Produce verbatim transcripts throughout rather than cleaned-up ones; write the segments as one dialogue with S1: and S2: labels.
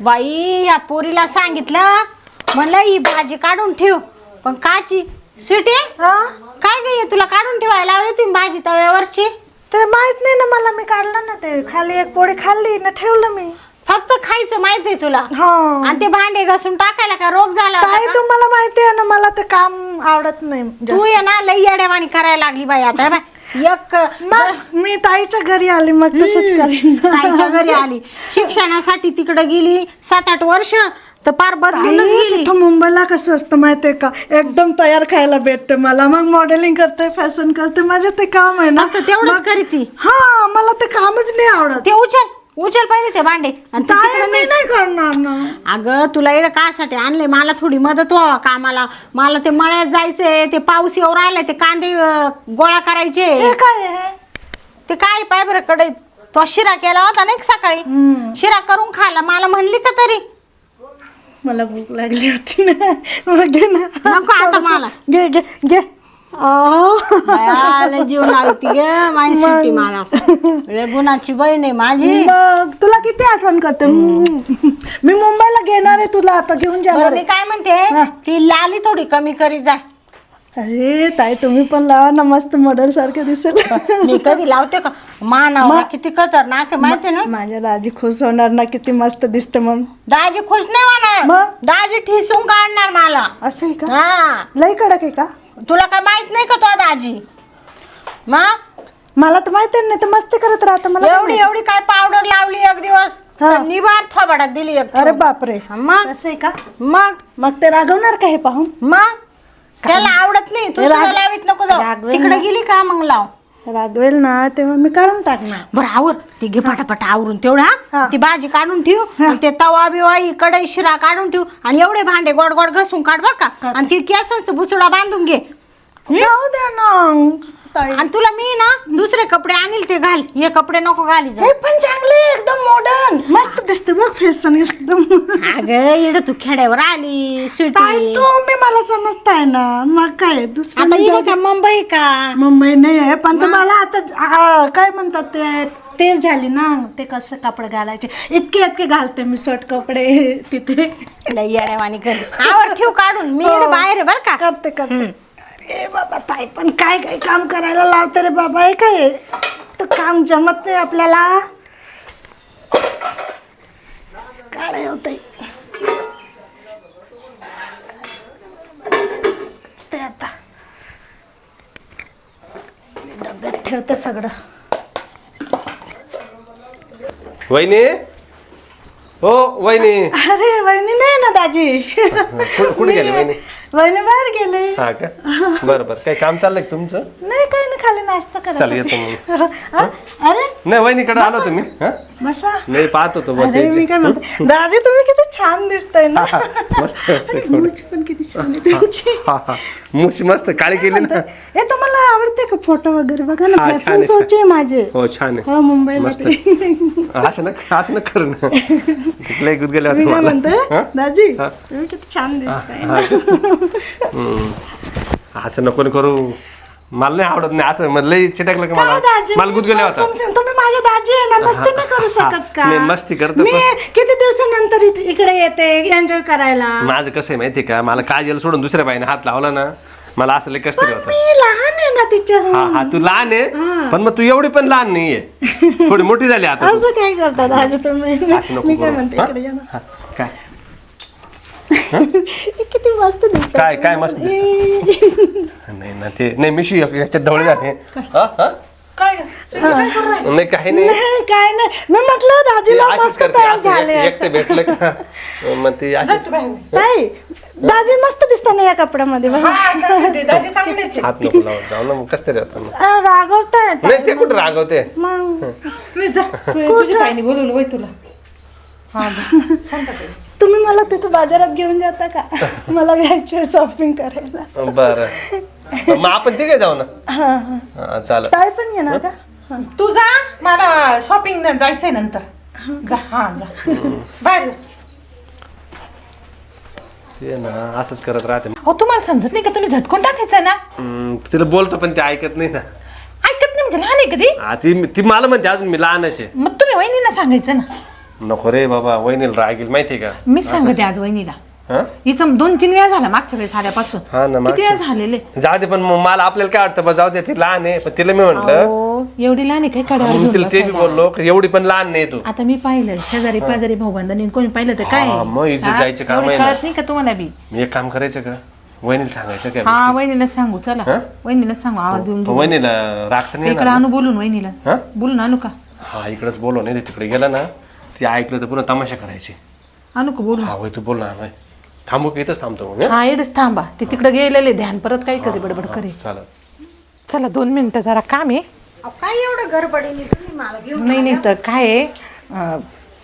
S1: बाई या पोरीला सांगितलं म्हणलं ही भाजी काढून ठेव, पण काची स्वीटी काय ग तुला काढून ठेवायला लावली तुम्ही भाजी तव्यावरची?
S2: ते माहित नाही ना मला, मी काढलं ना ते खाली एक पोळी खाल्ली ना ठेवलं मी.
S1: फक्त खायचं माहित आहे तुला
S2: हा
S1: आणि ते भांडे घासून टाकायला का रोग झाला होता
S2: ताई
S1: का?
S2: तुम्हाला माहिती आहे ना मला ते काम आवडत नाही
S1: तू
S2: जास्त.
S1: ये ना लई येड्यावानी करायला लागली बाई आता बाय एक
S2: मग मी ताईच्या घरी आली मग तसंच करीन.
S1: ताईच्या घरी आली शिक्षणासाठी तिकडे गेली सात आठ वर्ष तर पार बदलूनच
S2: ताई,
S1: गेली.
S2: तिथं मुंबईला कसं असतं माहितीये का, एकदम तयार खायला भेटते मला. मग मॉडेलिंग करते, फॅशन करते, माझं ते काम आहे ना.
S1: फक्त तेवढंच करीती.
S2: हा मला ते कामच नाही आवडत.
S1: ते उचल उचल पहिले ते भांडे आणि ते
S2: ताई
S1: तिकडं
S2: मी
S1: नाही.
S2: नाही करणार ना.
S1: अगं तुला एवढं कासाठी आणले मला थोडी मदत व्हावा कामाला. मला ते मळ्यात जायचंय, ते पाऊस येऊ राहिलाय, ते कांदे अं, गोळा करायचे.
S2: हे काय आहे?
S1: ते काय पाय बरं कडे तो शिरा केला होता ना एक सकाळी, शिरा करून खायला मला म्हणली का तरी?
S2: मला भूक लागली होती ना. मग घे ना.
S1: नको आता मला.
S2: घे घे घे. आह.
S1: बायाला जीव लावती ग माझी सुट्टी मला. लय गुणाची बहीण आहे माझी.
S2: मग तुला किती आठवण करते. मी मुंबईला घेणार आहे तुला, आता घेऊन
S1: बरं,
S2: जाणार
S1: मी
S2: आहे.
S1: काय म्हणते ती लाली थोडी कमी करी जा.
S2: अरे ताई तुम्ही पण लावा ना, मस्त मॉडेल सारखे दिसेल.
S1: मी कधी लावते का? मानावर किती खतरनाक आहे माहिती ना.
S2: माझ्या दाजी खुश होणार ना, किती मस्त दिसते. मग
S1: दाजी खुश नाही होणार,
S2: मग?
S1: दाजी ठिसून काढणार मला.
S2: असं आहे का?
S1: हा
S2: लई कडक आहे का?
S1: तुला काय माहित नाही का तो दाजी? मग
S2: मला तर माहिती नाही, तर मस्ती करत राहता मला काय
S1: एवढी
S2: माहिती.
S1: एवढी काय पावडर लावली एक दिवस
S2: हा.
S1: तर निबार थोबाडात दिली एक.
S2: अरे बापरे.
S1: मग
S2: असं आहे का?
S1: मग
S2: मग ते रागवणार का हे पाहून?
S1: मग त्याला आवडत नाही तू
S2: राग-
S1: सुद्धा लावीत नको जाऊ.
S2: रागवेल
S1: तिकडे
S2: ना.
S1: गेली का मग लाव.
S2: रागवेल ना तेव्हा मी काढून टाकणार.
S1: बरं आवर ती घे पटापट आवरून तेवढा
S2: हा.
S1: ती भाजी काढून ठेव आणि ते तवा बिवा कढई शिरा काढून ठेव आणि एवढे भांडे गोड गोड घासून काढ बर का. आणि ती केसांचं बुचडा बांधून घे
S2: जाऊ द्या ना ताई.
S1: आणि तुला मी ना दुसरे कपडे आणील ते घाल, हे कपडे नको घाली जा.
S2: हे पण चांगले एकदम मॉडर्न मस्त दिसते बघ फॅशन एकदम.
S1: अगं इकडे तू खेड्यावर आली
S2: ताई
S1: सुटी.
S2: तुम्ही मला समजताय ना, मग काय दुसरं
S1: आता
S2: नाही.
S1: इकडे
S2: जाऊ
S1: का
S2: दे.
S1: मुंबई का?
S2: मुंबई नाही आहे पण तर मला आता आ, काय म्हणतात ते टेव झाली ना, ते कसं कपडे घालायचे इतके इतके घालते मी शर्ट कपडे तिथे.
S1: लय येड्यावानी कर आवर ठेव काढून मी इकडे बाहेर आहे बर का.
S2: करते करते. ए बाबा ताई पण काय काय काम करायला लावते रे बाबा. हे काय तर काम जमत नाही आपल्याला. काय होतंय ते आता डब्यात ठेवते सगळं.
S3: वहिनी हो वहिनी.
S2: अरे वहिनी नाही ना दाजी.
S3: कुठे गेले वहिनी?
S2: वहिनी बाहेर गेले.
S3: हा का बरं बरं काही काम चाललंय का तुमचं?
S2: नाही काही नाही, खाली नाश्ता करा.
S3: चल येतो मग.
S2: हा? अरे
S3: नाही वहिनीकडे आलो तुम्ही हा?
S2: बसा.
S3: नाही पाहत होतो बुवा
S2: अरे मी
S3: त्यांची.
S2: काय म्हणते दाजी तुम्ही किती छान दिसताय ना.
S3: हा, हा, मस्त
S2: आणि मूछ पण किती छान आहे तुमची.
S3: हा हा मूछ मस्त काळी केली ना.
S2: हे तुम्हाला आवडते का फोटो वगैरे बघा ना,
S3: हा, छान
S2: फॅशन
S3: आहे,
S2: शोचे आहे माझे.
S3: हो छान आहे
S2: हा मुंबईला
S3: मस्त.
S2: ते.
S3: असं ना असं ना कर ना. लय गुद गेले
S2: मी काय म्हणते
S3: हा?
S2: दाजी
S3: हा.
S2: तुम्ही किती छान दिसताय.
S3: हम्म. असं नको ना करू, मला नाही आवडत नाही असं. मला लय चिटकलं का
S2: काय
S3: मला
S2: दाजी
S3: मला गुद गेला होता.
S2: तुमचे- तुम्ही माझे दाजी आहे ना, मस्ती नाही करू शकत का?
S3: नाही, मस्ती करतो
S2: मी
S3: पण-
S2: किती दिवसानंतर इथे- इकडे येते एन्जॉय करायला.
S3: माझं कसं आहे माहितीये का, मला काजल सोडून दुसऱ्या बाईने हात लावला ना मला असं लय कस तरी होतं.
S2: मी लहान आहे ना तिच्या.
S3: हा हा तू लहान आहे पण मग तू एवढी पण लहान नाहीये, थोडी मोठी झाली आता तू.
S2: असं काय करता दाजी तुम्ही.
S3: असं नको
S2: मी काय
S3: करू.
S2: म्हणते
S3: हा?
S2: इकडे या ना.
S3: हा, काय
S2: किती मस्त दिसत.
S3: काय काय मस्त दिसत. नाही ना ते नाही मिशी याच्यात ढवळे झाले. हा हा
S2: काय
S3: नाही काही नाही
S2: नाही काय नाही, मी म्हटलं
S3: ते
S2: दाजीला
S3: अशीच
S2: मस्त
S3: करते
S2: तयार
S3: असं
S2: झाले
S3: एक- एकटे भेटलं का मग ती अशीच
S2: ताई दाजी मस्त दिसता ना या कपड्यामध्ये बघा.
S3: हात नको लावत जाऊ ना, मग कस तरी होतं मग.
S2: अं, रागवताय ताई.
S3: नाही ते कुठे रागवते.
S2: मग
S4: तुझी ताईने बोलवलं वय तुला.
S2: तुम्ही मला तिथं बाजारात घेऊन जाता का? मला घ्यायचे शॉपिंग करायला.
S3: बरं मग आपण तिघे जाऊ ना.
S2: हा हा
S3: हा चालेल.
S2: ताई पण येणार का? हा.
S4: तू जा, मला शॉपिंग जायचंय नंतर. जा हा जा बाहेर.
S3: ते ना असंच करत राहते.
S4: हो तुम्हाला समजत नाही का, तुम्ही झटकून टाकायचं ना.
S3: हम्म, तिला बोलतो पण ते ऐकत नाही ना.
S4: ऐकत नाही म्हणजे लहान आहे कधी.
S3: हा, ती ती मला म्हणते अजून मी लहानच आहे.
S4: मग तुम्ही वहिनींना सांगायचं ना.
S3: नको रे बाबा, वहिनीला राग येईल माहितीये का.
S4: मी सांगते आज वहिनीला.
S3: हा
S4: हिचं दोन तीन वेळा झाला मागच्या वेळेस आल्यापासून.
S3: हा ना,
S4: किती वेळा झालेले.
S3: जाऊ दे, पण मग मला आपल्याला काय वाटतं, बा जाऊ दे, ती लहान आहे. पण तिला मी म्हंटल,
S4: अहो, एवढी लहान आहे काय कड्यावर
S3: मग
S4: घेऊन
S3: तिला ते बी
S4: बसायला?
S3: बोललो की एवढी पण लहान नाही तू.
S4: आता मी पाहिलं शेजारी पाजारी भाऊबंधांनी कोणी पाहिलं तर काय
S3: हा, मग हिचं
S4: हा?
S3: जायचं काम
S4: एवढी
S3: आहे ना.
S4: कळत नाही का तुम्हाला बी.
S3: मी एक काम करायचं का, वहिनीला सांगायचं काय
S4: हा वहिनीला सांगू चला.
S3: हा?
S4: वहिनीला सांगू आवाज देऊन
S3: पण वहिनीला रागत नाही
S4: इकडे
S3: येणार
S4: आणू बोलून वहिनीला.
S3: हा?
S4: बोलून आणू का?
S3: हा इकडेच बोलव, नाही तिकडे गेला ना ती ऐकलं तर पुन्हा तमाशा करायची.
S4: आणू का बोलून?
S3: हा होय, तू बोल ना. होय. थांबू की इथंच थांबतो मग.
S4: हा एवढंच थांबा. ते तिकडे गेलेले ध्यान परत काय करे बडबड करे.
S3: चालेल.
S4: चला दोन मिनिटं जरा काम आहे.
S1: अहो, काय एवढं गडबडीने तुम्ही मला घेऊन
S4: नाही नाही तर काय आहे अं,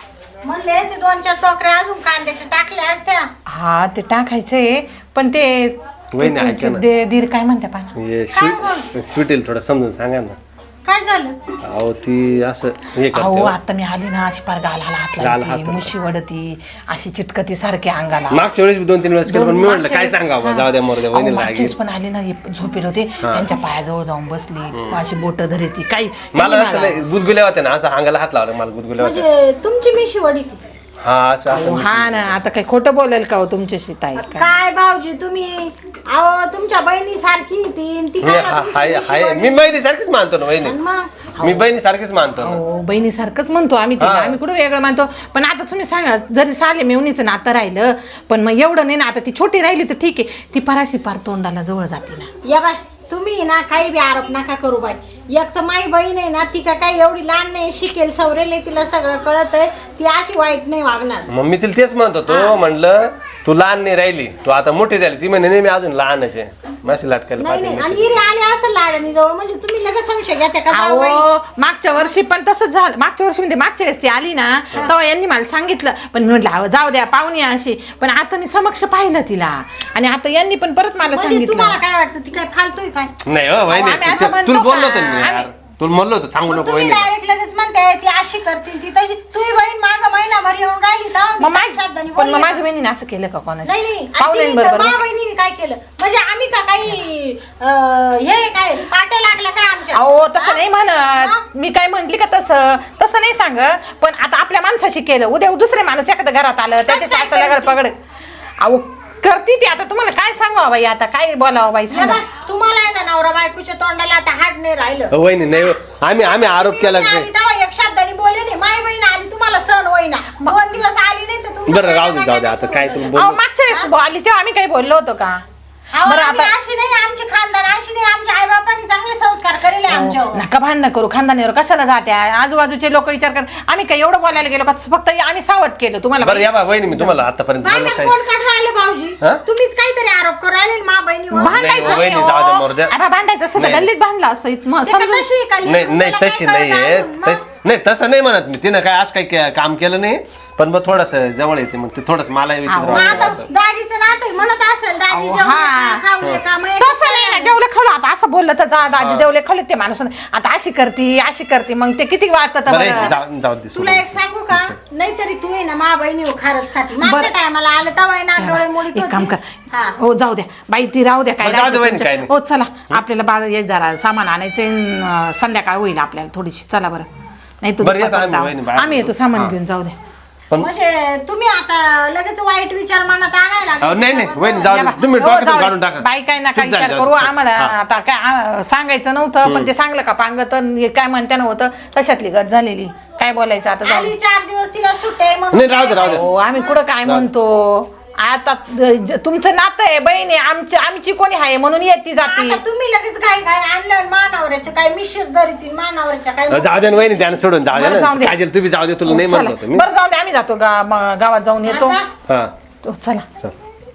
S1: म्हणले ते दोन चार टोकऱ्या अजून कांद्याच्या टाकल्या असत्या.
S4: हा ते टाकायचंय पण ते
S3: वहिनी ऐका ना.
S4: दे- दीर काय म्हणते पाहा.
S3: हे स्वीट स्वीटीला थोडं समजून सांगा ना.
S1: काय झालं?
S3: अहो ती असं हे
S4: अहो
S3: करते.
S4: आता मी आली ना अशी पार गालाला हात
S3: गाल हात
S4: लागते
S3: लागते.
S4: मुशी वडती अशी चिटकती सारखी अंगाला.
S3: मागच्या वेळेस बी दोन तीन वेळेस केलं, पण मी
S4: दोन-
S3: म्हटलं
S4: मागच्या
S3: काय
S4: वेळेस-
S3: सांगावं,
S4: हा.
S3: जाऊ द्या मोर द्या,
S4: अहो,
S3: वहिनीला
S4: मागच्या
S3: राग
S4: वेळेस
S3: येईल.
S4: पण आले ना हे झोपेल होते त्यांच्या पायाजवळ जाऊन बसली अशी बोट धरती काही
S3: मला
S4: त्यांनी
S3: असं नाही, गुदगुल्या होत्या ना, असं अंगाला हात लावला मला गुदगुल्या होत्या.
S1: म्हणजे तुमची मिशी वडी ती.
S3: हा असं
S4: अहो,
S3: असं
S4: हा ना आता काही खोटं बोलेल का हो तुमच्याशी ताई काय?
S1: काय भाऊजी तुम्ही अहो तुमच्या बहिणी सारखी ती ती
S3: मी
S1: काय
S3: हा-
S1: ना तुमची
S3: हाय
S1: मिशी
S3: हाय
S1: वडी.
S3: मी बहिणी सारखीच मानतो ना वहिनी.
S1: आणि मग
S3: मी बहिणी सारखीच मानतो ना.
S4: हो बहिणीसारखंच म्हणतो आम्ही तिला.
S3: हा.
S4: आम्ही कुठं वेगळं मानतो. पण आता तुम्ही सांगा जरी साले मेवणीचं नातं राहिलं पण मग एवढं नाही ना. आता ती छोटी राहिली तर ठीक आहे. ती पराशी पार तोंडाला जवळ जाते ना.
S1: या बाय तुम्ही ना काही बी आरोप नका करू बाई. एक तर माई बहीण आहे ना, ती का काही एवढी लहान नाही, शिकेल सवरेल आहे, तिला सगळं कळत आहे, ती अशी वाईट नाही वागणार.
S3: मग मी तिला तेच म्हणत होतो, म्हणलं तू लहान नाही राहिली, तू आता मोठी झाली. ती म्हणे नाही मी अजून लहानच आहे, माझी लाटकायला
S1: नाही
S3: पाहिजे.
S1: नाही आणि हिरी आले असं लाडणी जवळ म्हणजे तुम्ही लगेच संशय घेता का जाऊ बाई?
S4: अहो मागच्या वर्षी पण तसंच झालं. मागच्या वर्षी म्हणजे मागच्या वेळेस ती आली ना तेव्हा यांनी मला सांगितलं. पण मी म्हटलं अहो, जाऊ द्या पाहुणी अशी. पण आता मी समक्ष पाहिलं तिला आणि आता यांनी पण परत मला
S1: म्हणजे
S4: सांगितलं.
S1: तुम्हाला काय वाटतं ती काय फालतोय काय?
S3: नाही हो वहिनी,
S4: आम्ही असं
S3: ते-
S4: म्हणतो
S3: तुला बोललो
S4: का?
S3: होतो ना मी यार,
S4: आम्ही-
S3: तुला म्हणलो होतो सांगू
S1: मग
S3: नको
S1: तुम्ही
S3: वहिनी.
S1: डायरेक्ट लगेच म्हणते ती अशी करते ती तशी. तुझी बहीण माग महिनाभर येऊन राहिली तर
S4: मग
S1: मी काही शब्दांनी
S4: माझी पण मग
S1: बोलले
S4: माझ्या
S1: का?
S4: बहिणीने असं केलं का कोणाशी?
S1: नाही नाही
S4: पाहुण्यांबरोबर
S1: माझ्या बहिणीने काय केलं म्हणजे आम्ही का काही अं, हे काय पाट्या लागल्या काय आमच्या?
S4: अहो तसं
S1: हा?
S4: नाही
S1: हा?
S4: म्हणत मी काय म्हंटली का तसं तसं नाही सांगत. पण आता आपल्या माणसाशी केलं उद्या दुसरे माणूस एखाद्या घरात आलं त्याच्या
S1: काय
S4: सासऱ्याला
S1: करते?
S4: पगड. अहो करती ती. आता तुम्हाला काय सांगावं बाई आता काय बोलावं बाई
S1: या
S4: सांगा.
S1: बाय, तुम्हाला आहे ना नवरा बायकोच्या तोंडाला आता हाड नाही राहिलं.
S3: हो, वहिनी नाही हो. आम्ही आम्ही आरोप
S1: तुम्ही
S3: केला
S1: आली तेव्हा एक शब्दाने बोलले नाही. माय बहीण आली तुम्हाला सण होईना. दोन दिवस आली नाही तर तुमचं
S3: बरं राहू दे
S1: काय
S3: जाऊ दे
S1: काय
S3: आता
S1: सुरू
S3: काय
S1: झालं?
S3: तुम्ही
S4: अहो
S3: बोल.
S4: मागच्या वेळेस आली तेव्हा आम्ही काही बोललो होतो का?
S1: अहो,
S4: बरं
S1: आम्ही
S4: आता
S1: अशी नाही आमची खानदान अशी नाही. आमच्या आई बापांनी चांगले संस्कार करेले आमच्यावर.
S4: नका भांडणं करू खानदानीवर कशाला जात्या. आजूबाजूचे लोक विचार कर आम्ही काही एवढं बोलायला गेलो का? फक्त आम्ही सावध केलं तुम्हाला
S3: बरं
S4: बाई.
S3: या बा वहिनी, मी तुम्हाला आतापर्यंत
S1: काय
S3: बोललो
S1: नाही,
S3: काय.
S1: कोण काढून राहिले भाऊजी?
S3: हा?
S1: तुम्हीच काहीतरी आरोप करू राहिले मा बहिणीवर.
S3: नाही,
S4: भांडायचं
S3: वहिनी,
S4: नाही
S3: जाऊ दे,
S4: हो.
S3: मरू द्या.
S4: आता भांडायचं असं तर
S3: नाही.
S4: गल्लीत भांडला असं इथं
S1: ते का
S4: समजून.
S1: तशी आहे का?
S3: नाही नाही
S1: तुला काय
S3: तशी
S1: कळत
S3: नाहीये
S1: अजून? मग?
S3: तस- नाही तसं नाही म्हणत मी. तिनं काय आज काही काम केलं नाही, पण मग थोडस जवळ येते मग ते थोडस मला विचार
S1: मग आता दाजीचं नातं म्हणत असेल दाजी
S4: अहो,
S1: जेवले
S4: हा.
S1: का, खावले का? मग एक-
S4: तसं नाही ना जेवले खाऊ आता असं बोललं तर जा दाजी जेवले खाल्ले ते माणूस आता अशी करती अशी करती मग ते किती वाटत
S3: बरं जाऊ जाऊ दे
S1: तुला
S3: सोडून.
S1: एक सांगू का? नाहीतरी तू आहे ना मा बहिणी खारच खाती. मागच्या
S4: बरं.
S1: टायमाला आलं तेव्हा ना डोळे मोडीत
S4: एक काम
S1: होती.
S4: कर
S1: हा.
S4: हो जाऊ द्या बाई ती राहू द्या काय
S3: बरं, जाऊ दे
S4: राहायचं
S3: वहिनी,
S4: तुमचं.
S3: काय नाही.
S4: हो चला आपल्याला बाजार एक जरा सामान आणायचे संध्याकाळ होईल आपल्याला थोडीशी चला बरं. नाही तू
S3: बरं, येतो
S4: दुपारपर्यंत
S3: आम्ही वहिनी,
S4: आहो.
S3: बाहेर
S4: आम्ही येतो
S3: येतो.
S4: सामान
S3: हा.
S4: घेऊन जाऊ द्या.
S3: पण
S1: म्हणजे तुम्ही आता लगेच वाईट विचार मनात आणायला
S3: अहो,
S1: लागले.
S3: नाही नाही वहिनी जाऊ
S4: या
S3: दे,
S4: बा.
S3: तुम्ही
S4: हो,
S3: डोक्यातून
S4: जाऊ दे.
S3: काढून टाका.
S4: बाई काय नका
S3: चूक झाली,
S4: विचार
S3: जाऊ
S4: करू
S3: दे.
S4: आम्हाला
S3: हा.
S4: आता काय आ, सांगायचं नव्हतं पण ते सांगलं का पांगत काय म्हणते नव्हतं तशातली गत झालेली. काय बोलायचं आता जाऊ
S1: आली
S4: दे.
S1: चार दिवस तिला सुट्टे म्हणून
S3: नाही राहू दे राहू दे.
S4: हो आम्ही कुठं काय म्हणतो आता ज- तुमचं नातं आहे बहिणी आमची आमची कोणी आहे म्हणून येते जाती.
S1: आता तुम्ही लगेच काय काय आणलं मानावरच्या काय मिशेस धरीतील मानावरच्या काय
S3: अहो, जाऊ दे ना वहिनी, त्यानं सोडून जाऊ दे
S4: बरं, जाऊ
S3: ना.
S4: दे.
S3: काजल तू बी जाऊ दे, तुला नाही
S4: चला.
S3: म्हणलो होतो मी.
S4: बरं जाऊ दे आम्ही जातो गा- म- गावात जाऊन येतो.
S1: आता
S3: हा
S4: तो चला
S3: चल.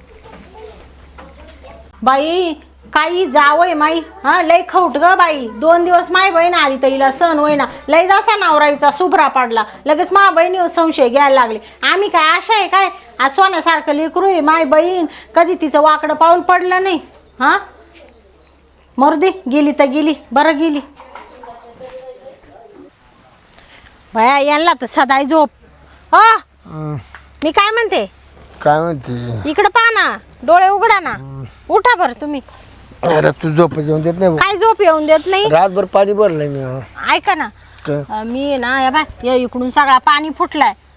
S1: बाई काही जावय माई हा लय खौट ग बाई. दोन दिवस माय बहीण आली तर हिला सण होईना. लय जसा नवराईचा सुभरा पडला लगेच मा बहिणीवर संशय घ्यायला लागले. आम्ही काय आशा आहे काय? आज सोन्यासारखं लेकरू आहे माय बहीण. कधी तिचं वाकडं पाऊल पडलं नाही. हा मरू दे गेली तर गेली बरं गेली. भया यांना तर सदाय झोप. हो मी काय म्हणते
S5: काय म्हणते
S1: इकडे पहा ना डोळे उघडा ना. उठा बरं तुम्ही.
S5: अरे तू झोप जेवण देत नाही
S1: काय झोप येऊन देत नाही?
S5: रातभर पाणी भरलंय मी
S1: ऐका ना
S5: काय?
S1: अं, मी ना या बाय या इकडून सगळा पाणी फुटलाय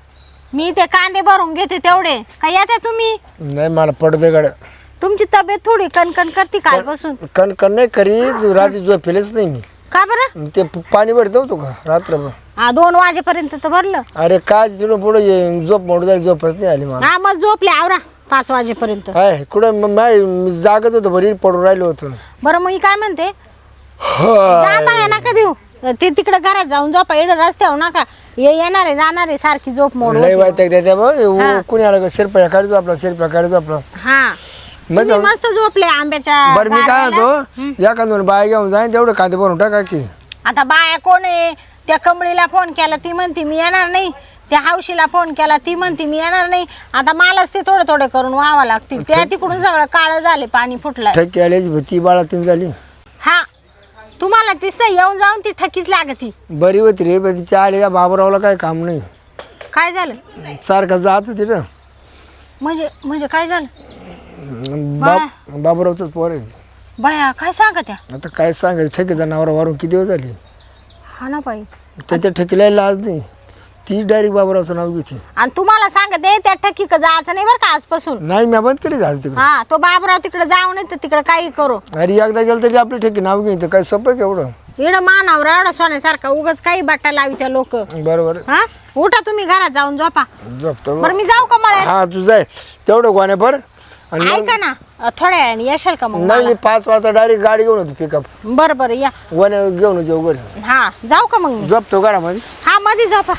S1: मी ते कांदे भरून घेते तेवढे काय येते तुम्ही.
S5: नाही मला पडते गाड्या
S1: तुमची तब्येत थोडी कणकण करते कालपासून.
S5: कण कण नाही करी रात्री झोपेलच नाही मी.
S1: का बरं.
S5: ते प- पाणी भरतो होतो का रात्रभर.
S1: हा दोन वाजेपर्यंत तर भरलं.
S5: अरे काय तिकडून पुढे ये, झोप मोड झाली झोपच नाही आली मला.
S1: हा मग झोपले आवरा पाच वाजेपर्यंत.
S5: काय कुठं मग माय मी जागत होतो बरी पडून राहिलो होतो.
S1: बरं मग मी काय म्हणते
S5: हा.
S1: जांभळ्या नका देऊ ते तिकडे घरात जाऊन झोपा एवढं रस्त्यावर नका ये येणार आहे जाणार आहे सारखी झोप मोड
S5: लय
S1: होती.
S5: वाईट त्या बघ कुणी आलं का शिरप्या काढतो आपला शिरप्या काढतो आपला.
S1: हा
S5: मग
S1: तुम्ही मस्त झोपले आंब्याच्या
S5: बरं मी काय
S1: गारव्याला.
S5: होतो या दोन बाय घेऊन जाईन तेवढं कांदे भरून टाका की.
S1: आता बाया कोण आहे त्या कमळीला फोन केला ती म्हणते मी येणार नाही. त्या हौशीला फोन केला ती म्हणते मी येणार नाही. आता मलाच ते थोडे थोडे करून व्हावं लागतील. त्या तिकडून सगळं काळं झाले पाणी फुटलंय.
S5: ठक्की आल्याची भीती बाळा तीन झाली.
S1: हा तुम्हाला तिस येऊन जाऊन ती ठकीच लागती.
S5: बरी होती रे पण तिच्या आले बाबरावला काय काम नाही.
S1: काय झालं
S5: सारखं जात तिथं
S1: म्हणजे म्हणजे काय झालं
S5: बाप बाबरावच पोर आहे.
S1: बाया काय सांगा त्या.
S5: आता काय सांगायचं ठेकीचा नावरा वारून किती दिवस झाली.
S1: हा ना बाई
S5: त्याच्या ठेकीला लाज नाही ती डायरेक्ट बाबरावचं नाव घेते.
S1: आणि तुम्हाला सांगते त्या ठकी का जायचं नाही बरं का आजपासून.
S5: नाही मी बंद केली झालं तिकडे.
S1: हा तो बाबराव तिकडे जाऊ नये तर तिकडे काही करू.
S5: अरे एकदा गेलं तरी आपली ठेकी नाव घेईन काय सोपं आहे केवढं.
S1: इकडं मानावर एवढा सोन्यासारखा उगाच काही बट्टा लावी त्या लोक.
S5: बरोबर
S1: हा उठा तुम्ही घरात जाऊन झोपा.
S5: झोपतो
S1: बरं मी जाऊ का मळ्यात.
S5: हा तू जाय तेवढं गोण्या भर आणि मग-
S1: ऐका ना अ, थोड्या वेळाने येशाल का मग
S5: नाही
S1: मला?
S5: मी पाच वाजता डायरेक्ट गाडी घेऊन होती पिकअप
S1: बरं बरं या.
S5: गोण्या घेऊन जाऊ घरी.
S1: हा जाऊ का मग मी.
S5: झोपतो घरामध्ये.
S1: हा मध्ये झोपा.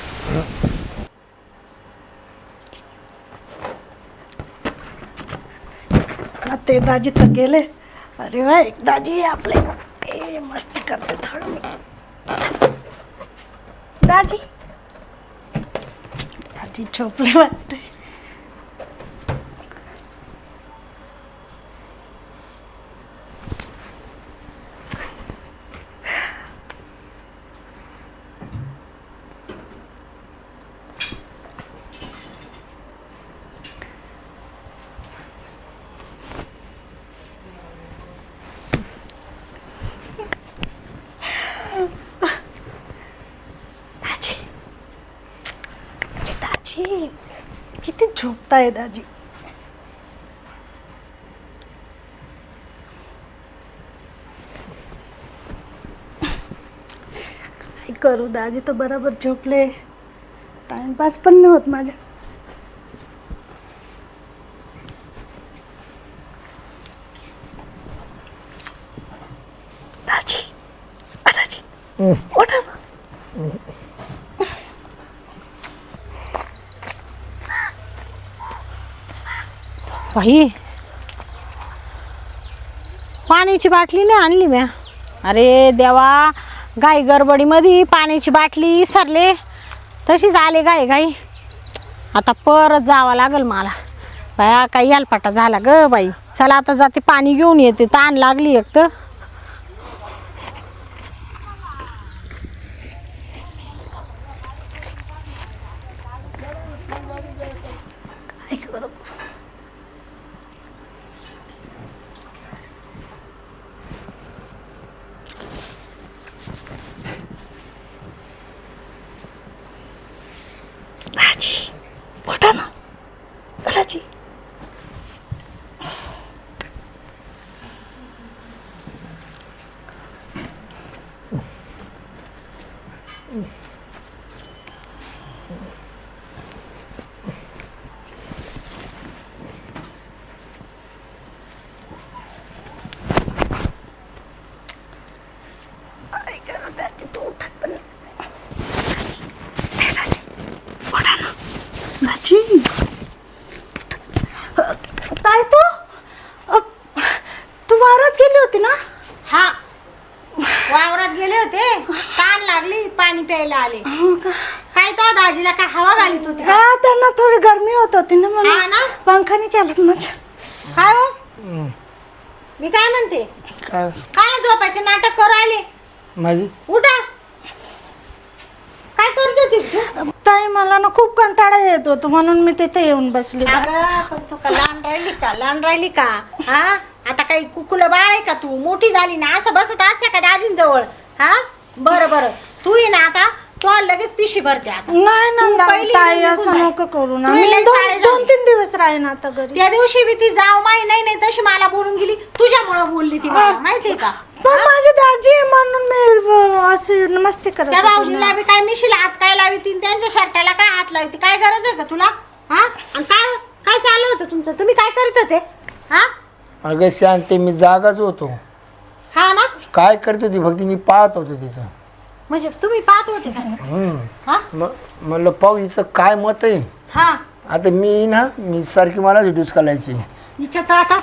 S2: का ते दाजी तर गेले. अरे वा एक दाजी आपले ए मस्ती करते थोडं मी. दाजी दाजी झोपले वाटते. दाजी दाजी किती झोपताय दाजी. काय करू दाजी तर बरोबर झोपले. टाइमपास पण नाही होत माझ्या. दाजी अ, दाजी उठा ना.
S1: बाई पाण्याची बाटली नाही आणली म्या. अरे देवा गाई गडबडीमध्ये पाण्याची बाटली विसरले तशीच आले गाई गाई. आता परत जावं लागेल मला. बाया काही यालपाटा झाला ग बाई. चला आता जाते पाणी घेऊन येते ताण लागली एक तर.
S2: काय करू. दाजी उठा ना दाजी. काय करू दाजी तू उठत पण नाही. ए, दाजी उठा ना दाजी. अ, काय तू अ, तू वावरात गेली होती ना.
S1: हा वावरात गेले होते ताण लागली पाणी प्यायला आले.
S2: हो का.
S1: काय तो दाजीला काय हवा घालीत होती का?
S2: हा त्यांना थोडी गरमी होत होती ना
S1: हा
S2: म्हणून
S1: ना
S2: पंखा नाही चालत माझ्या.
S1: काय हो मी काय म्हणते
S5: काय
S1: काय झोपायचे नाटक करू राहिले.
S5: माझी
S1: उठा काय करत होतीस तू.
S2: ताई मला ना खूप कंटाळा येत होतो म्हणून मी तिथे येऊन बसली.
S1: अगं, पण तू का लहान राहिली का लहान राहिली का. हा आता काही कुकुलं बाळ आहे का तू मोठी झाली ना असं बसत असते का दाजींजवळ. हा बरं बरं तू ये ना आता तो लगेच पिशी भरते आता.
S2: नाही ना
S1: तू
S2: दा-
S1: पहिली
S2: ताई
S1: निघून
S2: असं
S1: जाय.
S2: नको करू ना
S1: तू
S2: मी
S1: लई
S2: दोन
S1: चाळे
S2: दोन
S1: झाली.
S2: तीन दिवस राहीन आता घरी.
S1: त्या दिवशी बी ती जाव माई नाही नाही तशी मला बोलून गेली तुझ्यामुळे बोलली ती मला माहितीये का.
S2: पण माझी दाजी आहे म्हणून मी अ, अशी मस्ती करत
S1: त्या
S2: होते
S1: भाऊजीला
S2: ना.
S1: बी काय मिशीला हात काय लावी ती त्यांच्या शर्टाला काय हात लावी काय गरज आहे का तुला हा आणि काय काय चालू होतं तुमचं तुम्ही काय करत होते हा
S5: अगं शांती मी जागाच होतो.
S1: हा ना
S5: काय करत होती फक्त मी पाहत होतो तिचं.
S1: म्हणजे तुम्ही पाहत होते का
S5: हम्म.
S1: हा
S5: म- म्हणलं पाहू हिचं काय मत आहे.
S1: हा
S5: आता मी ना मी सारखी मला रिड्यूस करायची.
S1: हिच्यात आता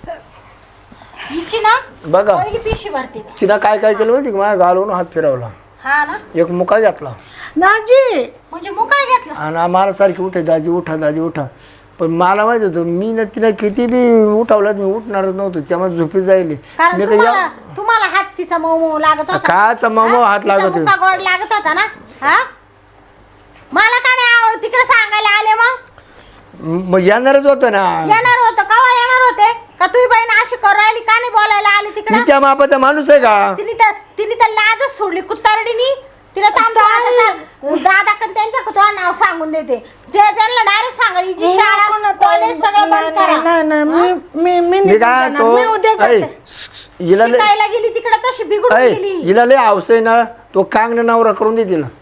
S1: हिची ना
S5: बघा
S1: पहिली पिशी भरते
S5: तिनं काय काय केलं माहिती का माझ्या घालून हात फिरवला
S1: हा ना
S5: एक मुका घेतला
S2: दाजी
S1: म्हणजे मग काय घेतलं
S5: आणि मला सारखी उठे दाजी उठा दाजी उठा पण मला माहित होतं मी ना तिला किती बी उठवलं मी उठणारच नव्हतो त्यामुळे झोपी जायली
S1: कारण
S5: मी काही
S1: तुम्हाला तुम्हाला हात तिचा मऊ मऊ लागत होता
S5: काचा मम
S1: हा?
S5: हात
S1: तिचा
S5: लागत
S1: मुका गोड लागत होता ना हा मला का नाही आवड तिकडे सांगायला आले मग
S5: मग येणारच होतं ना.
S1: येणार होतं केव्हा येणार होते का तुझी बहीण अशी करू राहिली का नाही बोलायला आली
S5: मी
S1: तिकडे
S5: त्या मापाचा माणूस आहे का.
S1: तिने तर तिने तर लाजच सोडली कुत्तारडीनी तिला थांब दादा पण त्यांच्या तुझं नाव सांगून देते ते त्यांना डायरेक्ट सांगा हिची शाळा
S2: नको ना ताई.
S1: कॉलेज सगळं
S2: नाही,
S1: बंद
S2: नाही,
S1: करा
S2: नाही नाही मी मी मी
S5: मी
S2: निघून
S5: काय
S2: जाणार.
S5: तो
S2: मी उद्या
S5: ऐ,
S2: जाते.
S5: हिला लय
S1: शिकायला गेली तिकडे तशी बिघडून
S5: ऐ,
S1: गेली
S5: हिला लय हाऊस आहे ना तो कांगणे नवरा करून दे तिला.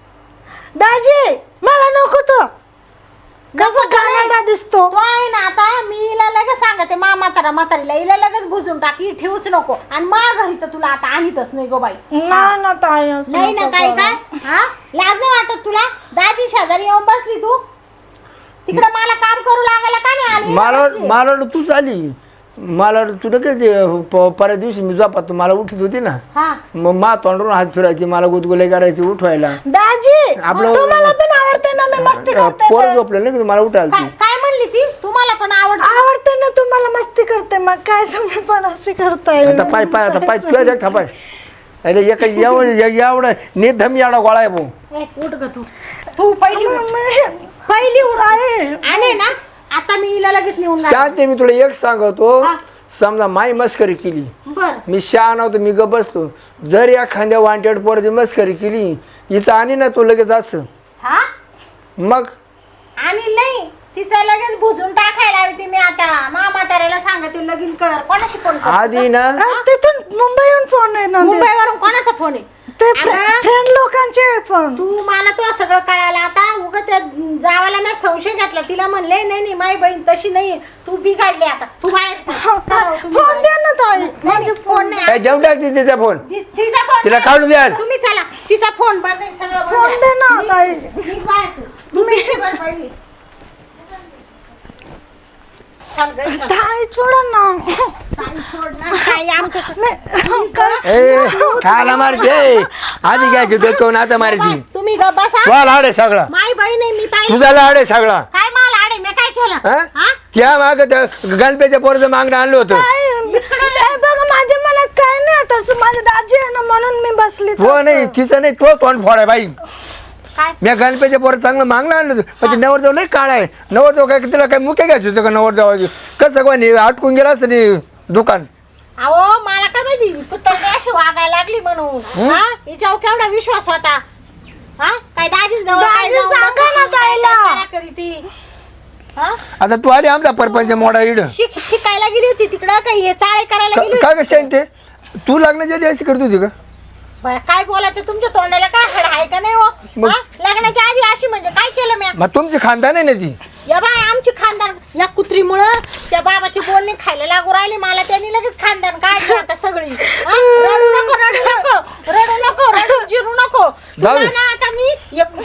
S2: दाजी मला नको तो कसा गाणाडा दिसतो.
S1: तो आहे ना आता मी हिला लगेच सांगते मा म्हातारा म्हातारीला हिला लगेच बुजून टाक ही ठेवूच नको आणि मा घरी तर तुला आता आणीतच नाही गो बाई
S2: नाही ना ताई असं
S1: नाही ना
S2: नको
S1: काही
S2: करू.
S1: काय हा लाज नाही वाटत तुला दाजी शेजारी येऊन बसली तू तिकडे मला काम करू लागायला का नाही आली
S5: मला वाट-
S1: बसली.
S5: मला वाटलं तूच आली मला वाटलं तुला काय ते प- परवा दिवशी मी झोपात तू मला उठत होती ना
S1: हा
S5: मग मा तोंडून हात फिरायची मला गुदगुले करायची उठवायला
S2: दाजी
S5: आपलं-
S2: तुम्हाला पण आवडते ना मी मस्ती करते
S5: पोर
S2: तर.
S5: झोपलं नाही का मला उठायला
S1: काय
S5: ती.
S1: काय म्हणली ती तुम्हाला पण आवडत
S2: आवडते ना तुम्हाला मस्ती करते मग काय तुम्ही पण अशी करताय
S5: आता पाय पाय आता पाय तुझ्या देख पाय अरे एका एवढं एवढं निधम एवढा गोळा आहे भाऊ.
S1: उठ ग तू तू पहिली उठ. पहिली उठ आणि ना आता मी हिला लगेच नेऊन घाल.
S5: शांत आहे, मी तुला एक सांगतो
S1: हा.
S5: समजा माई मस्करी केली
S1: बर
S5: मी शहा नव्हतो मी ग बसतो जर या खांद्या वांटेड पोराची मस्करी केली हिचं आणि ना तू लगेच असं
S1: हा
S5: मग
S1: आणि नाही तिचं लगेच भुजून टाकायला हवी ती मी आता मा म्हाताऱ्याला सांगते लगीन कर कोणाशी फोन कर
S5: आधी ना
S2: अ, तिथून मुंबईहून फोन आहे ना ते-
S1: मुंबईवरून कोणाचा फोन आहे
S2: ते
S1: आता
S2: फ्रेंड लोकांचे फोन.
S1: तू मला तो सगळं कळायला आता उगा त्या जावाला मी संशय घातला तिला म्हणले नाही नाही माझी बहीण तशी नाही तू बिघडली आता तू बाहेर जा. चला, तुम्ही
S2: फोन
S1: बाहेर.
S2: द्या ना ताई
S1: नाही,
S2: माझे
S1: नाही, फोन नाही
S5: काय देऊन टाकते तिचा फोन
S1: ति- तिचा फोन
S5: तिला
S1: नाही.
S5: काढून द्या.
S1: तुम्ही चला तिचा फोन बंद आहे, सगळं बंद
S2: फोन
S1: आहे.
S2: दे ना,
S1: निघ-
S2: ताई.
S1: निघ बाहेर तू. तू पिशवी भर पहिली. चल गं, चल.
S2: ताई सोडा ना
S1: ताई सोड ना, ताई आमचं-
S2: नाही, काय-
S5: ए खायला मारते आधी घ्यायची डोक्यावरून आता मारायची
S1: तुम्ही ग बसा
S5: तुला लाड आहे सगळा
S1: माई बहीण आहे मी पाहिजे
S5: तुझा लाड आहे सगळा
S1: काय मला आडे मी काय केलं
S5: हा?
S1: हा?
S5: त्या माग गणपेच्या पोरचं मागणं आणलं होतं
S2: ताई, ताई, बघा माझ्या मनात काय नाही तसं माझी दाजी आहे ना म्हणून मी बसली
S5: हो
S2: तसं.
S5: नाही तिचं नाही तो तोंड फोड आहे बाई
S1: काय
S5: मी गणपेच्या पोरं चांगलं मागणं आणलं होतं पण ते नवरदेव लई काळ आहे नवरदेव काय तिला काय मुख्य घ्यायचं होतं का नवरदेवाची कसं कोणी अटकून गेलं असतं नाही दुकान
S1: अहो मला काय माहिती कुत्तरडी अशी वागायला लागली म्हणून हा हिच्यावर केवढा विश्वास होता हा काय दाजीन जवळ काय
S2: दाजी
S1: जाऊन
S2: सांगा
S1: बसायची,
S2: ना
S1: काय
S2: ताईला.
S1: करा करी ती हा?
S5: आता तू आधी आमचा परपंच मोडा इड
S1: शिक शिकायला गेली होती तिकडं काही हे चाळे करायला गेली
S5: काय कसं ते तू लग्नाच्या आधी अशी करत होती का
S1: होती काय बोलायचं तुमच्या तोंडाला काय हड आहे का नाही हो
S5: मग-
S1: हा? लग्नाच्या आधी अशी म्हणजे काय केलं मी
S5: मग तुमची खानदान आहे ना ती
S1: या बाय आमची खानदान या कुत्रीमुळं त्या बाबाची बोलणी खायला लागू राहिली मला त्यांनी लगेच खानदान काढली आता सगळी हा? रडू नको रडू नको रडू नको रडू जिरू नको
S5: जाऊ दे.
S1: तुला ना आता मी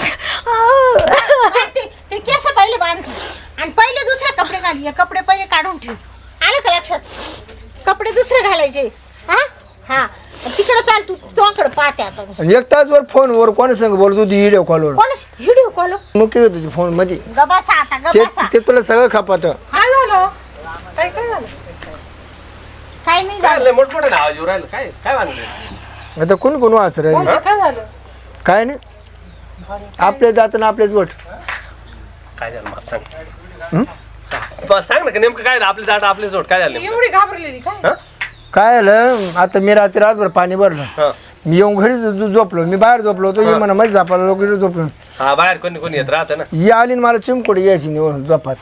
S1: एक- ते- ते केस पहिले बांध आणि पहिले दुसरे कपडे घाल हे कपडे पहिले काढून ठेव आलं का लक्षात कपडे दुसरे घालायचे हा हा तिकडे चाल तू तुझ्याकडे पाहते आता
S5: आणि एक तासवर फोनवर कोणी संग बोलत होती व्हिडिओ कॉलवर
S1: कोण व्हिडिओ कॉल
S5: मग काय होत होती फोन मध्ये
S1: गबासा आता
S5: ते
S1: गबासा
S5: ते तुला सगळं खपात
S4: काय झालं काय काय झालं
S1: काय नाही
S3: काय
S1: झालं
S3: लय मोठमोठे नाव येऊ राहिलं काय काय बांधलं
S5: आता कोण कोण वाच राहिले
S4: काय झालं
S5: काय नाही आपले जात ना आपलेच वट
S3: काय झालं मला सांग बा, सांग ना का नेमकं काय झालं आपले जाट आपले जोड काय झालं नेमकं?
S4: एवढी घाबरलेली काय
S3: हा?
S5: काय आलं आता मी रात्री रातभर पाणी भरलं
S3: हा.
S5: मी येऊन घरी झो- झोपलो मी बाहेर झोपलो होतो ये म्हणा मध्ये झोपायला लोक इकडे झोपलो
S3: हा बाहेर कोणी कोणी येत राहतं ना.
S5: ही आली आणि मला चिमकोडी यायची निवडून झोपात.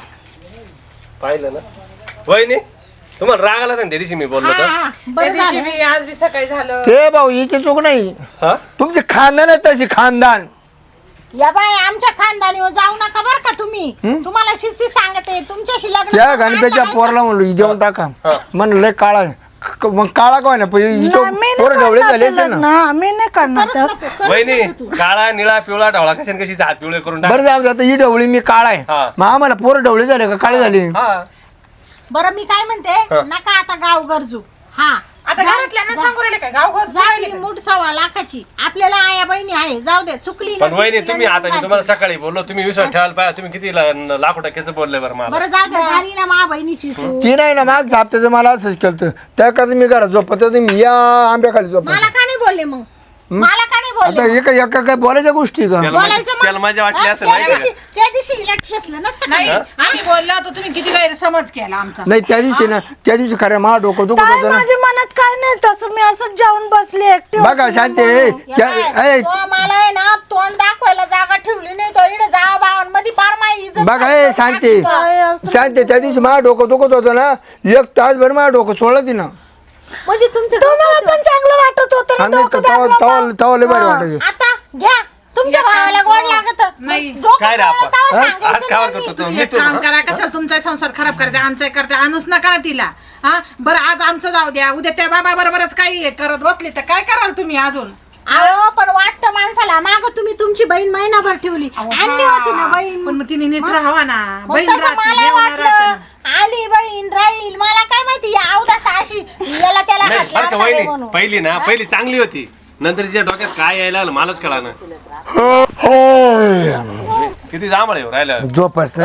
S3: पाहिलं ना वहिनी तुम्हाला राग आला ना त्या दिवशी मी बोललो
S1: हा,
S3: तर
S1: हा,
S4: त्या
S1: बरं
S4: दिवशी
S1: झालं.
S4: बी आज बी सकाळी झालं.
S5: ते भाऊ हिची चूक नाही
S3: हा
S5: तुमचे खानदान आहे तशी खानदान.
S1: या बाय आमच्या खानदानीवर जाऊ नका बरं का तुम्ही. तुम्हाला शिस्ती सांगते तुमच्याशी लग्न
S5: त्या
S1: करून
S5: गणपतीच्या
S1: आता
S5: पोरला म्हणलो ही देऊन टाका म्हणलं लय काळा आहे. क- मग काळा काय ना
S2: नाही, मी
S5: पोर
S2: नाही
S5: ढवळे
S2: करणार
S5: झाले
S2: ते
S5: असते ना.
S2: लग्न. मी नाही करणार
S1: करूच
S2: तर.
S1: नको, करूच
S3: वहिनी
S1: नको तू.
S3: काळा निळा पिवळा ढवळा कशाने कशी हात पिवळे करून टाक.
S5: बरं जाऊ दे आता ही ढवळी मी काळा आहे
S3: हा.
S5: मग आम्हाला पोर ढवळे झाले का काळे झाले.
S3: हा
S1: बरं मी काय म्हणते नका आता गाव गरजू. हा
S4: आता घरातल्यांना सांगू राहिले काय गाव घर
S1: झाली मूठ सव्वा लाखाची आपल्याला आया बहिणी आहे जाऊ दे चुकली
S3: पण
S1: ना,
S3: वहिनी
S1: तिला
S3: तुम्ही आता मी
S1: निघून
S3: तुम्हाला सकाळी बोललो तुम्ही विश्वास ठेवायला पाहिजे. तुम्ही किती ला- लाखो टक्क्याचं बोलले बरं मला.
S1: बरं जाऊ दे झाली ना मा बहिणीची सूट.
S5: ती नाही ना माग झापत्याचं मला असंच केलं त्या करता मी घरात झोपत होतो, मी या आंब्याखाली झोपत.
S1: मला का नाही बोलले मग मला का नाही
S5: आता
S1: बोलले
S5: एका एका काय बोलायच्या गोष्टी का
S3: त्याला
S1: बोलायचं
S3: मजा-
S1: मग.
S3: त्याला मजा वाटली
S1: हा,
S3: असेल
S1: त्या
S3: नाही का?
S1: दिवशी त्या दिवशी हिला ठेसलं नसतं का?
S4: नाही आम्ही बोललो तर तुम्ही किती गैरसमज केला आमचा.
S5: नाही त्या दिवशी ना त्या दिवशी खरं मा डोकं दुखत
S2: काय
S5: होतं ना.
S2: माझ्या मनात काय नाही तसं मी असंच जाऊन बसली एकटी
S5: बघा
S2: होती
S5: शांती
S2: म्हणून.
S1: या
S5: त्या
S1: बाय,
S5: ए,
S1: तो मला आहे ना तोंड दाखवायला जागा ठेवली नाही तो इकडे जावा भावांमध्ये बार माई इज्जत
S5: बघा ए शांती
S2: काय असं
S5: शांती त्या दिवशी माझं डोकं दुखत होतं ना एक तासभर माझं डोकं सोडलं तिनं.
S1: म्हणजे तुमचं
S2: तुम्हाला
S1: डोकं-
S2: पण चांगलं वाटत होतं ना
S5: आणि
S2: डोकं
S5: तवा
S2: दाबलं
S5: तवा
S2: मग.
S5: तवा लय भारी वाटायचं.
S1: आता घ्या तुमच्या भावाला गोड लागत
S4: नाही.
S3: काय रे आपण? आज काय करतो तो?
S4: तुम्ही
S3: मी
S4: एक
S3: तू
S4: काम करा कशाला तुमचा संसार खराब करते आमचा करते आणूच नका तिला. हा बरं आज आमचं जाऊ द्या उद्या त्या बाबा बरोबरच काही करत बसले तर काय कराल तुम्ही अजून.
S1: अहो पण वाटतं माणसाला माग तुम्ही तुमची बहीण महिनाभर ठेवली आणली होती ना बहीण
S4: पण मग तिने नीट राहावा ना.
S1: मग
S4: बहीण
S1: तसं
S4: राहते,
S1: मला
S4: जेवण राहतं
S1: वाटलं
S4: ना.
S1: आली बहीण राहील मला काय माहिती या अवदास अशी याला त्याला
S3: नाही
S1: हात
S3: बरं का
S1: लावणार आहे
S3: वहिनी
S1: म्हणून.
S3: पहिली ना पहिली चांगली होती नंतर तिच्या डोक्यात काय यायला लागलं मलाच कळालं.
S5: हो, हो.
S3: किती जांभळ आहे राहिलं.
S5: झोप असतं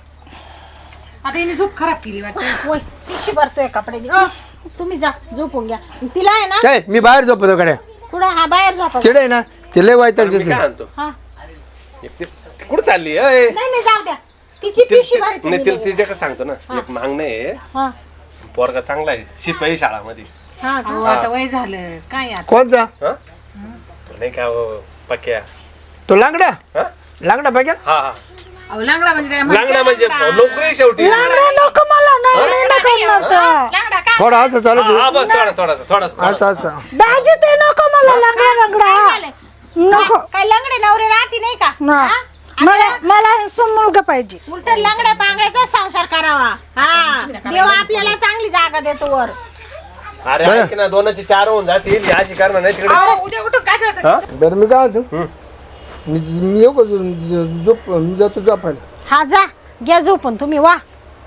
S4: आता हिने झोप खराब केली वाटतं.
S1: होय पिशी भरतोय कपडे अ, तुम्ही जा झोपून घ्या तिला आहे ना
S5: काय मी बाहेर झोपतो कडे
S1: पुढं हा बाहेर झोपा
S5: तिकडे आहे ना ते लय वाईट
S3: मी काय आणतो
S1: हा
S3: एक ते- कुठं चालली अय?
S1: नाही नाही जाऊ द्या तिची
S3: ते-
S1: पिशी
S3: ते-
S1: भरते
S3: नाही
S1: मी
S3: तिला
S1: लगेच.
S3: तिच्या कसं सांगतो ना एक मागणं आहे
S1: हा
S3: पोरगा चांगला आहे शिपाई शाळामध्ये.
S1: हा
S4: अहो, आता वय झालं काय आता.
S5: कोणता
S3: हा तो नाही का हो, पक्या
S5: तो लांगडा
S3: हा
S5: लांगडा पाहिजे
S3: हा हा
S4: अहो, लांगडा म्हणजे काय
S3: लागणार म्हणजे नोकरी शेवटी
S2: लांगड्या नको मला नाही मी नाही करणार तर.
S4: लांगडा काय
S5: थोडा असं चालू
S3: हा हा, बस थोडा थोडासा थोडासा
S2: हो.
S5: असं असं
S2: दाजी ते नको मला लांगडा
S1: काय
S2: लांगडा
S1: झालंय?
S2: नको
S1: काय लंगडे नवरे राहती नाही का
S2: ना
S1: हा?
S2: मला मला handsome मुलगा पाहिजे.
S1: उलट लंगड्या पांगड्याचा संसार करावा हा देव आपल्याला चांगली जागा देतो वर.
S3: अरे ऐक ना दोनाची चार होऊन जातील ही अशी करणार नाही तिकडे.
S4: अहो, उद्या उठून काय करतात?
S3: हा?
S5: बरं मी काय होतो मी मी येऊ का झो- झोप मी जातो झोपायला.
S1: हा जा घ्या झोपून तुम्ही वा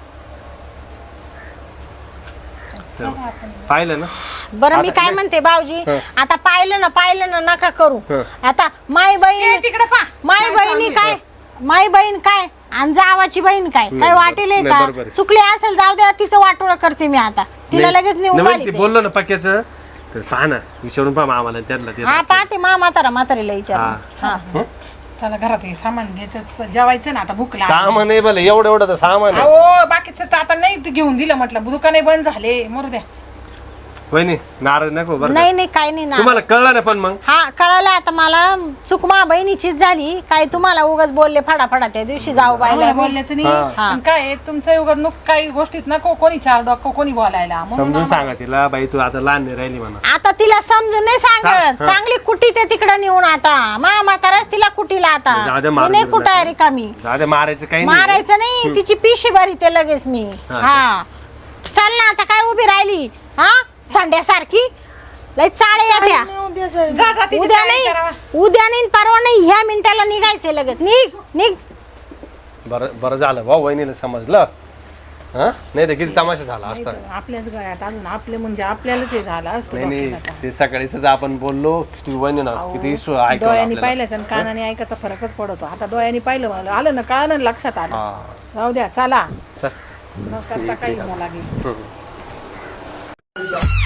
S3: पाहिलं ना
S1: बरं मी काय म्हणते भाऊजी आता पाहिलं ना पाहिलं ना नका करू आता माई
S4: ए,
S1: बहीण
S4: तिकडे पा
S1: माई बहिणी काय माई बहीण काय आणि जावाची बहीण काय काय वाटेल
S3: नाही,
S1: का
S3: बरोबर आहे.
S1: चुकली असेल जाऊ द्या तिचं वाटोळं करते मी आता तिला लगेच नेऊन
S3: नाही,
S1: आली
S3: ती
S1: ते.
S3: बोललो ना पक्याचं तर पहा ना विचारून पहा आम्हाला त्यांना ते
S1: हा पाहते मा म्हातारा म्हातारीला विचार
S3: हा.
S1: हा
S4: चला घरात हे सामान घ्यायचं जेवायचं ना आता भूक लागली.
S3: सामान आहे भले एवढं एवढं तर सामान आहे.
S4: अहो बाकीचं तर आता नाही ते घेऊन दिलं म्हटलं दुकाने बंद झाले मरू द्या.
S3: वहिनी नाराज नको बरं का?
S1: नाही नाही काय नाही ना
S3: तुम्हाला कळलं ना पण मग
S1: हा कळालं आता मला चूक मा बहिणीचीच झाली काय तुम्हाला उगाच बोलले फडाफडा त्या दिवशी जाऊ
S4: आम्हाला
S1: बायला
S4: बोलल्याचं नाही
S3: हा.
S4: पण काय आहे, तुमचं युगात नुक काही गोष्टीत नको कोणी चार डोकं कोणी बोलायला म्हणून
S3: समजून सांगा तिला बाई तू आता लहान नाही राहिली म्हणा.
S1: आता तिला समजून नाही सांगत चांगली कुटी ते तिकडे नेऊन आता मा म्हाताराच तिला कुटीला आता
S3: जाऊ दे,
S1: मी
S3: मारून
S1: नाही
S3: देऊ
S1: कुठं
S3: नका.
S1: रिकामी
S3: जाऊ दे मारायचं काही नाही
S1: मारायचं नाही तिची पिशी भरी ते लगेच मी
S3: हा,
S1: हा चल ना आता काय उभी राहिली हा संड्यासारखी लय चाळे येत्या
S2: मी उद्या जाईन.
S4: जा, जा, तिची
S1: उद्या
S4: तयारी करावा.
S1: नाही उद्या नाही परवा नाही ह्या मिनिटाला निघायचंय लगेच निघ निघ
S3: बरं बरं झालं भाऊ वहिनीला समजलं हा नाही तर किती तमाशा झाला असता.
S4: आपल्याच गळ्यात अजून आपले म्हणजे आपल्यालाच हे झालं असतं
S3: नाही नाही
S4: डोक्याला.
S3: ते सकाळीच आपण बोललो किती वहिनी ना किती इशू ऐकलं
S4: डोळ्यांनी
S3: आपल्याला.
S4: पाहिलं आणि कानाने ऐकायचा फरकच पडतो आता डोळ्यांनी पाहिलं मला आलं ना कानाने लक्षात आलं
S3: हा
S4: जाऊ द्या चला
S3: चल
S4: न करता काही मला लागेल
S3: हम्म.